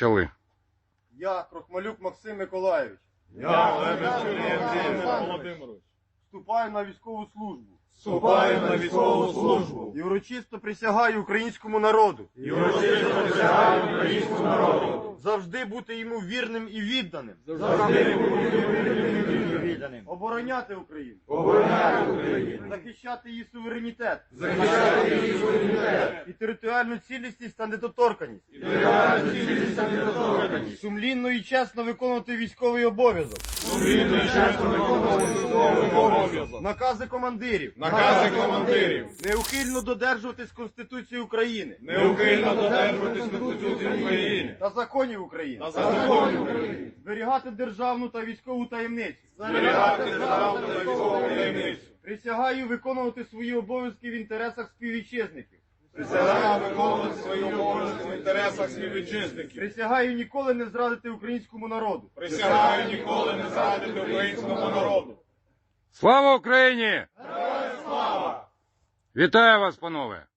Почали. Я, Крохмалюк Максим Миколайович, Я, Лебедь Юрій Володимирович, вступаю на військову службу вступаю на військову службу і урочисто присягаю українському народу і урочисто присягаю українському народу завжди бути йому вірним і відданим, завжди бути вірним і відданим, обороняти Україну, обороняти Україну, захищати її суверенітет захищати її суверенітет, і територіальну цілісність та недоторканність, і територіальну цілісність та недоторканність, сумлінно і чесно виконувати військовий обов'язок, сумлінно і чесно виконувати військовий обов'язок, накази командирів, накази командирів, неухильно додержуватись Конституції України неухильно додержуватись Конституції України та законів України, та законів України, зберігати державну та військову таємницю, зберігати державну та військову таємницю, присягаю виконувати свої обов'язки в інтересах співвітчизників, присягаю виконувати свої обов'язки в інтересах співвітчизників, присягаю ніколи не зрадити українському народу. присягаю ніколи не зрадити українському народу. Слава Україні! Героям слава! Вітаю вас, панове!